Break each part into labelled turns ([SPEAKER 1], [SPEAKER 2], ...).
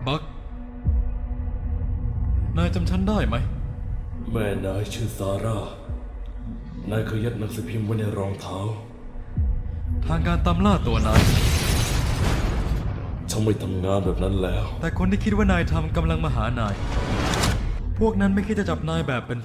[SPEAKER 1] บักนายจำฉันได้ไหม
[SPEAKER 2] แม่นายชื่อซาร่า นายเคยยัดหนังสือพิมพ์ไว้ในรองเท้า
[SPEAKER 1] ทางการตามล่าตัวนาย
[SPEAKER 2] ฉันไม่ทำงานแบบนั้นแล้ว
[SPEAKER 1] แต่คนที่คิดว่านายทำกำลังมาหานายพวกนั้นไม่คิดจะจับนายแบบเป็น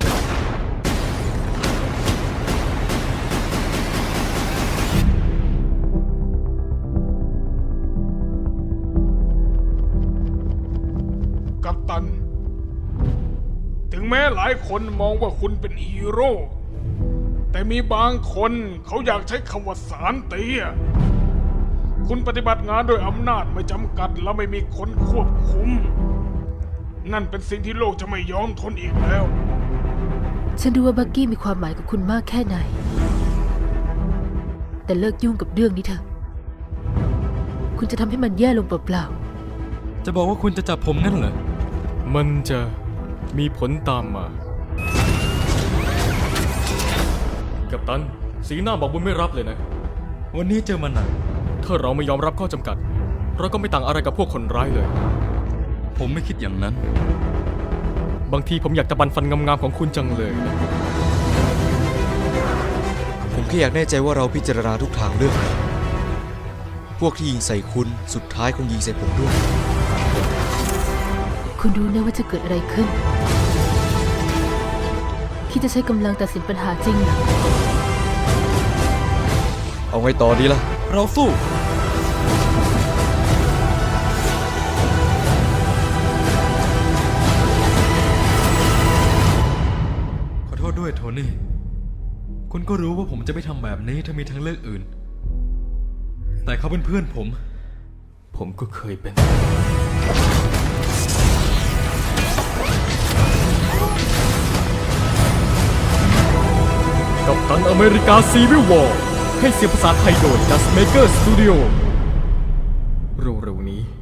[SPEAKER 3] กัปตันถึงแม้หลายคนมองว่าคุณเป็นฮีโร่แต่มีบางคนเขาอยากใช้คำว่าสารเตี้ยคุณปฏิบัติงานโดยอำนาจไม่จำกัดและไม่มีคนควบคุมนั่นเป็นสิ่งที่โลกจะไม่ยอมทนอีกแล้ว
[SPEAKER 4] ฉันรู้ว่าบักกี้มีความหมายกับคุณมากแค่ไหนแต่เลิกยุ่งกับเรื่องนี้เถอะคุณจะทำให้มันแย่ลงเปล่า
[SPEAKER 1] ๆจะบอกว่าคุณจะจับผมงั้นเหรอ
[SPEAKER 5] มันจะมีผลตามมากัปตันสีหน้าบอกบุญไม่รับเลยนะ
[SPEAKER 1] วันนี้เจอมันหนัก
[SPEAKER 5] ถ้าเราไม่ยอมรับข้อจำกัดเราก็ไม่ต่างอะไรกับพวกคนร้ายเลย
[SPEAKER 1] ผมไม่คิดอย่างนั้น
[SPEAKER 5] บางทีผมอยากจะบันฟันงามๆของคุณจังเลย
[SPEAKER 6] ผมแค่อยากแน่ใจว่าเราพิจารณาทุกทางเลือกพวกที่ยิงใส่คุณสุดท้ายคงยิงใส่ผมด้วย
[SPEAKER 4] คุณรู้นะว่าจะเกิดอะไรขึ้นคิดจะใช้กำลังตัดสินปัญหาจริงเหรอ
[SPEAKER 6] เอาไงต่อดีล่ะ
[SPEAKER 1] เราสู้ขอโทษด้วยโทนี่คุณก็รู้ว่าผมจะไม่ทำแบบนี้ถ้ามีทางเลือกอื่นแต่เขาเป็นเพื่อน
[SPEAKER 5] ผมก็เคยเป็นกัปตันอเมริกาซีวิลวอร์ให้เสียงภาษาไทยโดย Just Maker Studio เร็วๆนี้